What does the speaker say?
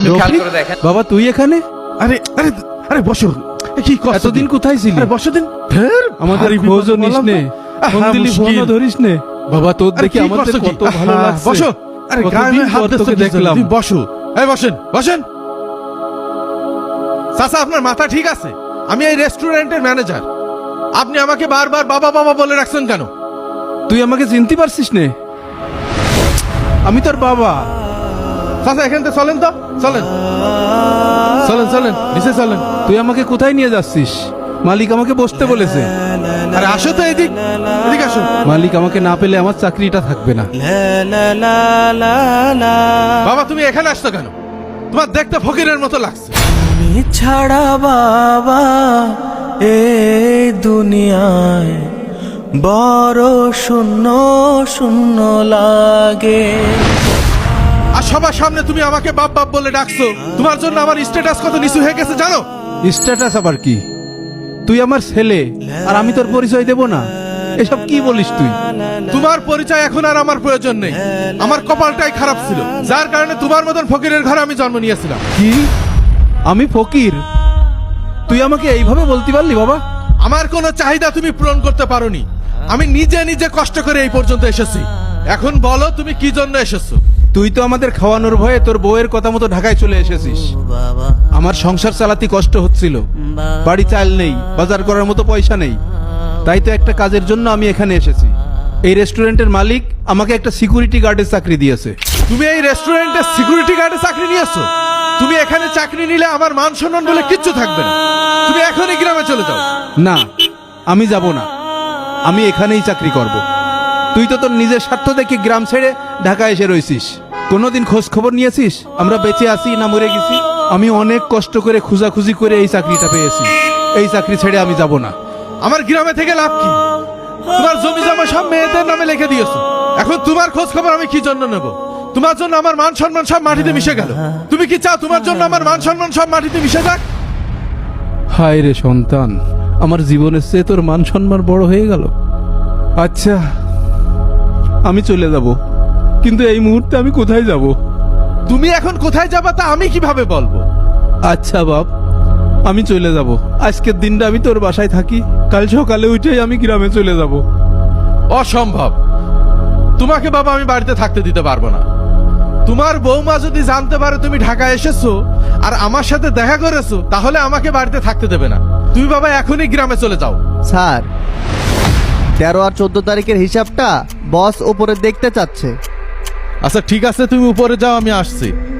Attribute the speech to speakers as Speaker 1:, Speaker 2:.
Speaker 1: খেয়াল করে দেখেন।
Speaker 2: বাবা তুই এখানে?
Speaker 3: আরে আরে আরে বসো। কি কষ্ট
Speaker 2: এতদিন
Speaker 3: দিন?
Speaker 2: কোথায় ছিলি?
Speaker 3: আরে বসো দিন। ফের
Speaker 2: আমাদের
Speaker 3: ভারী
Speaker 2: খোঁজও
Speaker 3: বিপদে
Speaker 2: নিস
Speaker 3: পড়লাম
Speaker 2: নে,
Speaker 3: তো।
Speaker 2: ফোন
Speaker 3: আহা,
Speaker 2: দিলি
Speaker 3: মুশকিল।
Speaker 2: ফোনও ধরিস নে। বাবা তোর
Speaker 3: আরে
Speaker 2: দেখে
Speaker 3: কি
Speaker 2: আমাদের
Speaker 3: করছো কি?
Speaker 2: কত ভালো
Speaker 3: আহা,
Speaker 2: লাগছে।
Speaker 3: বসো। আরে
Speaker 2: কতদিন
Speaker 3: গায়ে হাত
Speaker 2: পর
Speaker 3: দিচ্ছ
Speaker 2: তোকে
Speaker 3: কি জন্য?
Speaker 2: দেখলাম।
Speaker 3: তুমি বসো। এই বসেন বসেন। চাচা আপনার মাথা ঠিক আছে? আমি এই রেস্টুরেন্টের ম্যানেজার। আপনি আমাকে বারবার বাবা বাবা বলে রাখছেন কেন?
Speaker 2: তুই আমাকে চিনতে পারছিস নে? আমি তোর বাবা।
Speaker 3: চাচা এখান থেকে চলেন তো, চলেন চলেন চলেন নিচে চলেন।
Speaker 2: তুই আমাকে কোথায় নিয়ে যাচ্ছিস? মালিক আমাকে বসতে বলেছে।
Speaker 3: আরে আসো তো এদিক, এদিক আসো।
Speaker 2: মালিক আমাকে না পেলে আমার চাকরিটা থাকবে না।
Speaker 3: বাবা তুমি এখানে আসছো কেন? তোমার দেখতে ফকিরের মতো লাগছে।
Speaker 4: তুমি ছাড়া বাবা এই দুনিয়ায় বড় শূন্য শূন্য লাগে।
Speaker 3: আর সবার সামনে তুমি আমাকে বাপ বাপ বলে ডাকছো। তোমার জন্য আমার স্ট্যাটাস কত নিচু হয়ে গেছে জানো?
Speaker 2: স্ট্যাটাস আবার কি? তুই আমার ছেলে আর আমি তোর পরিচয় দেব না? এসব কি বলিস তুই?
Speaker 3: তোমার পরিচয় এখন আর আমার প্রয়োজন নেই। আমার কপালটাই খারাপ ছিল, যার কারণে তোমার মতন ফকিরের ঘরে আমি জন্ম নিয়েছিলাম।
Speaker 2: কি? আমি ফকির? তুই আমাকে এইভাবে বলতে পারলি বাবা?
Speaker 3: আমার কোনো চাহিদা তুমি পূরণ করতে পারোনি। আমি নিজে নিজে কষ্ট করে এই পর্যন্ত এসেছি। এখন বলো তুমি কি জন্য এসেছো?
Speaker 2: তুই তো আমাদের খাওয়ানোর ভয়ে তোর বউয়ের কথা মতো ঢাকায় চলে এসেছিস। আমার সংসার চালাতে কষ্ট হচ্ছিল, বাড়ি চাল নেই, বাজার করার মতো পয়সা নেই। তাই তো একটা কাজের জন্য আমি এখানে এসেছি। এই রেস্টুরেন্টের মালিক আমাকে একটা সিকিউরিটি গার্ডের চাকরি দিয়েছে।
Speaker 3: তুমি এই রেস্টুরেন্টে সিকিউরিটি গার্ডে চাকরি নিয়েছো? তুমি এখানে চাকরি নিলে আমার মান সম্মান বলে কিচ্ছু থাকবে না। তুমি এখনই গ্রামে চলে যাও।
Speaker 2: না, আমি যাব না। আমি এখানেই চাকরি করব। তুই তো তোর নিজের স্বার্থ দেখে গ্রাম ছেড়ে ঢাকায় এসে রয়েছিস। কোনোদিন খোঁজ খবর নিয়েছিস আমরা বেঁচে আছি না মরে গেছি? আমি অনেক কষ্ট করে খুঁজাখুঁজি করে এই চাকরিটা পেয়েছি। এই চাকরি ছেড়ে আমি যাব না।
Speaker 3: আমার গ্রামে থেকে লাভ কি? তোমার জমি জমা সব মেয়েদের নামে লিখে দিয়েছো। এখন তোমার খোঁজ খবর আমি কি জন্য নেব? তোমার জন্য আমার মান সম্মান সব মাটিতে মিশে গেল। তুমি কি চাও তোমার জন্য আমার মান সম্মান সব মাটিতে মিশে যাক?
Speaker 2: হায় রে সন্তান, আমার জীবনের চেয়ে তোর মান সম্মান বড় হয়ে গেল। আচ্ছা, আমি চলে যাব, কিন্তু এই মুহূর্তে আমি কোথায় যাব?
Speaker 3: তুমি এখন কোথায় যাবা তা আমি কিভাবে বলবো?
Speaker 2: আচ্ছা বাপ, আমি চলে যাব। আজকের দিনটা আমি তোর বাসায় থাকি, কাল সকালে উঠেই আমি গ্রামে চলে যাব।
Speaker 3: অসম্ভব। তোমাকে বাবা আমি বাড়িতে থাকতে দিতে পারবো না। তোমার বৌমা যদি জানতে পারে তুমি ঢাকায় এসেছো আর আমার সাথে দেখা করেছো, তাহলে আমাকে বাড়িতে থাকতে দেবে না। তুমি বাবা এখনই গ্রামে চলে যাও।
Speaker 5: স্যার, 13 আর 14 তারিখের হিসাবটা বস ওপরে দেখতে চাচ্ছে।
Speaker 3: আচ্ছা ঠিক আছে, তুমি উপরে যাও, আমি আসছি।